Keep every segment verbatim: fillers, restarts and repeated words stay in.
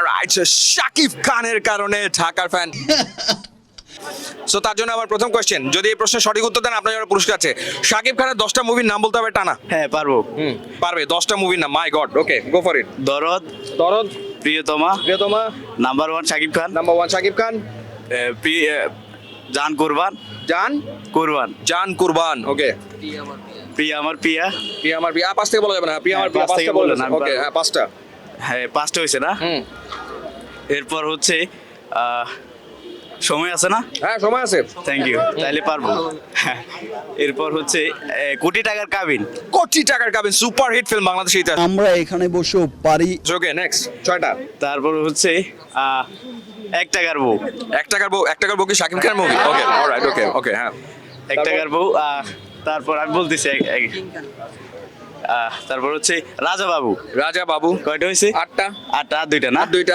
Alright, Shakib খানের কারণে ঢাকার ফ্যান। সো তার জন্য আমার প্রথম কোশ্চেন, যদি এই প্রশ্নের সঠিক উত্তর দেন আপনার জন্য পুরস্কার আছে। শাকিব খানের দশটা মুভির নাম বলতে হবে টানা। হ্যাঁ পারবো। হুম পারবে, দশটা মুভির নাম। My god, okay go for it. Dorod, Dorod, Priyotoma, Priyotoma, number one Shakib Khan, number one Shakib Khan, এ, প্রি- এ, জান কুরবান, জান কুরবান, জান কুরবান, ওকে। প্রিয়া আমার প্রিয়া। প্রিয়া আমার প্রিয়া, পাঁচ থেকে বলা যাবে না, প্রিয়া আমার হ্যাঁ, প্রিয়া পাঁচ পাঁচ থেকে থেকে বলে বলুন, আমি ওকে, পারবো। হ্যাঁ পাঁচটা। হ্যাঁ পাঁচটা হয়েছে না। হুম এরপর হচ্ছে আহ, সময় আছে না। হ্যাঁ সময় আছে। থ্যাংক ইউ, তাইলে পারবো। হ্যাঁ, এরপর হচ্ছে এ, কোটি টাকার কাবিন। কোটি টাকার কাবিন, সুপার হিট ফিল্ম বাংলাদেশের ইতিহাস। আমরা এখানে বসেও পারি। ওকে নেক্সট, ছয়টা। তারপর হচ্ছে আহ, এক টাকার বউ। এক টাকার বউ, এক টাকার বউ কি শাকিব খানের মুভি? ওকে অলরাইট, ওকে ওকে হ্যাঁ। এক টাকার বউ। আহ, তারপর আমি বলতেছি এক- এক- আহ, তারপর হচ্ছে রাজা বাবু। রাজা বাবু, কয়টা হয়েছে? আটটা। আটটা, আর দুইটা না। আর দুইটা।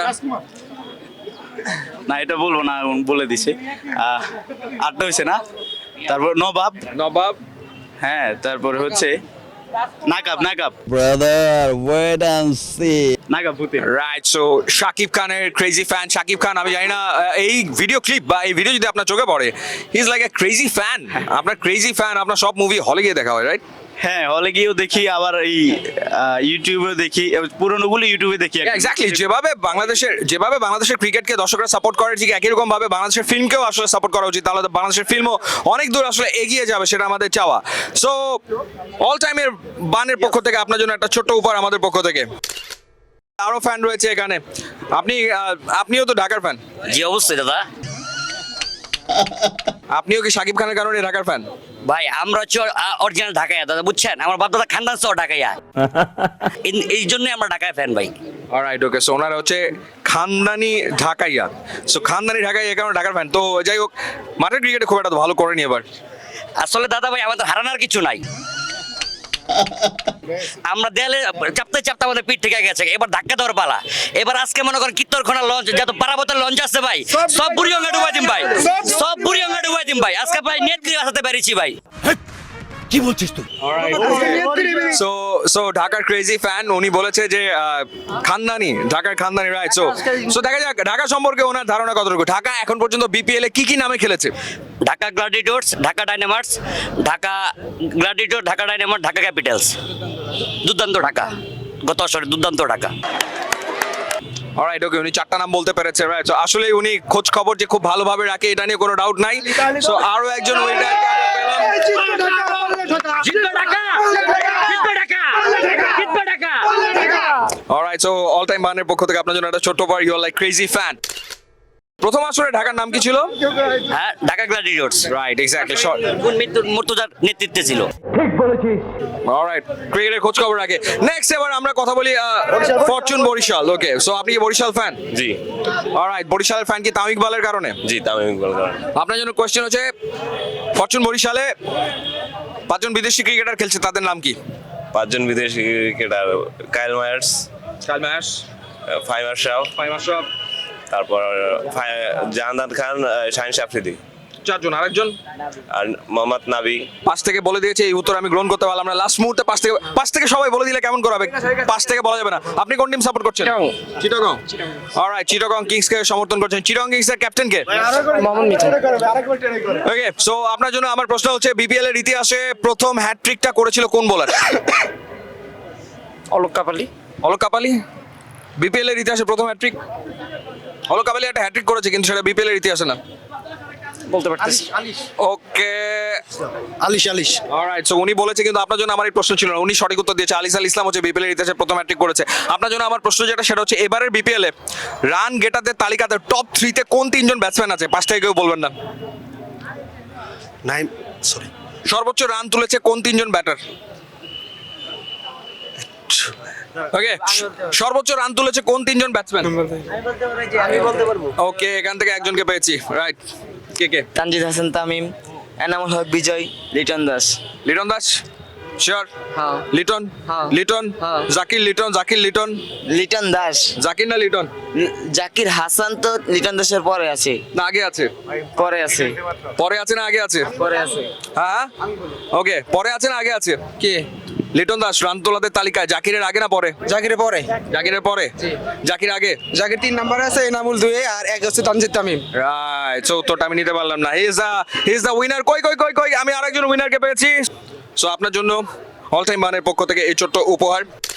না এটা বলবো না, বলে দিছে। আহ, আটটা হয়েছে না। তারপর নবাব। নবাব, হ্যাঁ তারপর হচ্ছে Nakab. Nakab brother wait and see. Nakab ভূতে। রাইট। সো শাকিব খানের ক্রেজি ফ্যান শাকিব খান। আমি জানি না আহ, এই ভিডিও ক্লিপ বা এই ভিডিও যদি আপনার চোখে পড়ে, he is like a crazy fan. আপনার ক্রেজি ফ্যান, আপনার সব মুভি হলে গিয়ে দেখা হয়, রাইট? হ্যাঁ হলে গিয়েও দেখি, আবার এই আহ, ইউটিউবে দেখি, পুরোনোগুলো ইউটিউবে দেখি। এক্স্যাক্টলি, যেভাবে বাংলাদেশের যেভাবে বাংলাদেশের ক্রিকেটকে দর্শকরা সাপোর্ট করে, ঠিক একই রকম ভাবে বাংলাদেশের ফিল্মকেও আসলে সাপোর্ট করা উচিত। তাহলে তো বাংলাদেশের ফিল্মও অনেক দূর আসলে এগিয়ে যাবে, সেটা আমাদের চাওয়া। সো অল টাইমের বানের পক্ষ থেকে আপনার জন্য একটা ছোট্ট উপহার আমাদের পক্ষ থেকে। আরো ফ্যান রয়েছে এখানে। আপনি আহ, আপনিও তো ঢাকার ফ্যান। জি অবশ্যই দাদা। আপনিও কি শাকিব খানের কারণে ঢাকার ফ্যান? ভাই আমরা হচ্ছে অরিজিনাল ঢাকাইয়া দাদা, বুঝছেন? আমার বাপ দাদা খানদান সহ ঢাকাইয়া, এই- এই জন্যই আমরা ঢাকায় ফ্যান ভাই। অলরাইট, ওকে। সো ওনারা হচ্ছে খানদানি ঢাকাইয়া। সো খানদানি ঢাকাইয়া এই কারণে ঢাকার ফ্যান। তো যাই হোক, মাঠের ক্রিকেটে খুব একটা তো ভালো করেনি এবার। আসলে দাদা ভাই আমাদের হারানোর কিছু নাই, আমরা দেয়ালে চাপতে চাপতে আমাদের পিঠ থেকে গেছে, এবার ধাক্কা দেওয়ার পালা। এবার আজকে মনে করেন কিত্তরখানা লঞ্চ, যত পারাবতের লঞ্চ আছে ভাই, সব বুড়ি অঙ্গা ডুবাই দিম ভাই, সব বুড়ি অঙ্গা ডুবাই দিম ভাই। আজকে ভাই নেত্রী বাসাতে পেরেছি ভাই। সো সো ঢাকার ক্রেজি ফ্যান উনি বলেছে যে আহ, খানদানি, ঢাকার খানদানি, রাইট? সো সো দেখা যাক ঢাকা সম্পর্কে ওনার ধারণা কতটুকু। ঢাকা এখন পর্যন্ত বিপিএল এ কি কি নামে খেলেছে? Dhaka Gladiators, Dhaka Dynamites, Dhaka Gladiator, Dhaka Dynamites, Dhaka Capitals. Durdanto Dhaka, গত বছরে দুর্দান্ত ঢাকা। অলরাইট, ওকে। উনি চারটা নাম বলতে পেরেছে, রাইট? সো আসলে উনি খোঁজ খবর যে খুব ভালোভাবে রাখে, এটা নিয়ে কোনো ডাউট নাই। সো আরো একজন উইনার পেলাম। জিতবে ঢাকা, জিতবে ঢাকা, জিতবে Dhaka. Alright, so all time বানের পক্ষ থেকে আপনার জন্য একটা ছোট্ট পার, you are like crazy fan. প্রথম আসরে ঢাকার নাম কি ছিল? হ্যাঁ Dhaka Gladiators, right, exactly, short. মুর্তজার নেতৃত্বে ছিল। অলরাইট, ক্রিকেটের খোঁজ খবর রাখে। নেক্সট এবার আমরা কথা বলি ফরচুন বরিশাল। ওকে, সো আপনি কি বরিশাল ফ্যান? জি অলরাইট, বরিশালের ফ্যান কি তামিম ইকবালের কারণে? জি তামিম ইকবাল কারণ। আপনার জন্য কোশ্চেন হচ্ছে, ফরচুন বরিশালে পাঁচজন বিদেশি ক্রিকেটার খেলছে, তাদের নাম কি? পাঁচজন বিদেশি ক্রিকেটার, কাইল মায়ার্স, কাল ম্যাশ, ফাইম আশরাফ, ফাইম আশরাফ, তারপর ফাই- জাহানাত খান, শাহিন আফ্রিদি, চারজন। আরেকজন আর মোহাম্মদ নাবি। পাঁচ থেকে বলে দিয়েছে, এই উত্তর আমি গ্রহণ করতে পারলাম না। লাস্ট মুহূর্তে পাঁচ থেকে পাঁচ থেকে সবাই বলে দিলে কেমন করাবে? পাঁচ থেকে বলা যাবে না। আপনি কোন টিম সাপোর্ট করছেন? চিটাগং। অলরাইট, চিটাগং কিংস কে সমর্থন করছেন। চিটাগং কিংস এর ক্যাপ্টেন কে? ওকে, সো আপনার জন্য আমার প্রশ্ন হচ্ছে, বিপিএল এর ইতিহাসে প্রথম হ্যাটট্রিকটা করেছিল কোন বোলার? অলোক কাপালি। অলোক কাপালি। বিপিএল এর ইতিহাসে প্রথম হ্যাটট্রিক অলোক কাপালি একটা হ্যাটট্রিক করেছে, কিন্তু সেটা বিপিএল এর ইতিহাসে না। বলতে পারতেছি। Okay, Alis Alis. Alright, so উনি বলেছে, কিন্তু আপনার জন্য আমার এই প্রশ্ন ছিল না। উনি সঠিক উত্তর দিয়েছে, আলিস আল ইসলাম হচ্ছে বিপিএল এর ইতিহাসে প্রথম হ্যাটট্রিক করেছে। আপনার জন্য আমার প্রশ্ন যেটা, সেটা হচ্ছে, এবারের বিপিএল এ রান গেটারদের তালিকাতে টপ থ্রিতে কোন তিনজন ব্যাটসম্যান আছে? পাঁচ থেকে কেউ বলবেন না। নাইম সরি সর্বোচ্চ রান তুলেছে কোন তিনজন ব্যাটার? ওকে, সর্বোচ্চ রান তুলেছে কোন তিনজন ব্যাটসম্যান? ওকে, এখান থেকে একজনকে পেয়েছি, রাইট। কে কে? তানজিদ হাসান তামিম, এনামুল হক বিজয়, লিটন দাস। লিটন দাস, শিওর? হ্যাঁ। লিটন, হ্যাঁ। লিটন, হ্যাঁ। জাকির লিটন, জাকির লিটন, লিটন দাস। জাকির না লিটন? ল- জাকির হাসান তো লিটন দাসের পরে আছে, না আগে আছে? পরে আছে, পরে আছে না আগে আছে? পরে আছে। হ্যাঁ, ওকে, পরে আছে না আগে আছে? কে? লিটন দাস রান তোলাদের তালিকায় জাকিরের আগে না পরে? জাকিরের পরে, জাকিরের পরে, জাকির আগে। জাকির তিন নাম্বারে আছে, এনামুল দুয়ে, আর এক হচ্ছে তানজিদ তামিম। রাইট, সো উত্তরটা আমি নিতে পারলাম না। He is the he is the winner. কই কই কই কই আমি আরেকজন উইনারকে পেয়েছি। সো আপনার জন্য অল টাইম মানের পক্ষ থেকে এই ছোট্ট উপহার।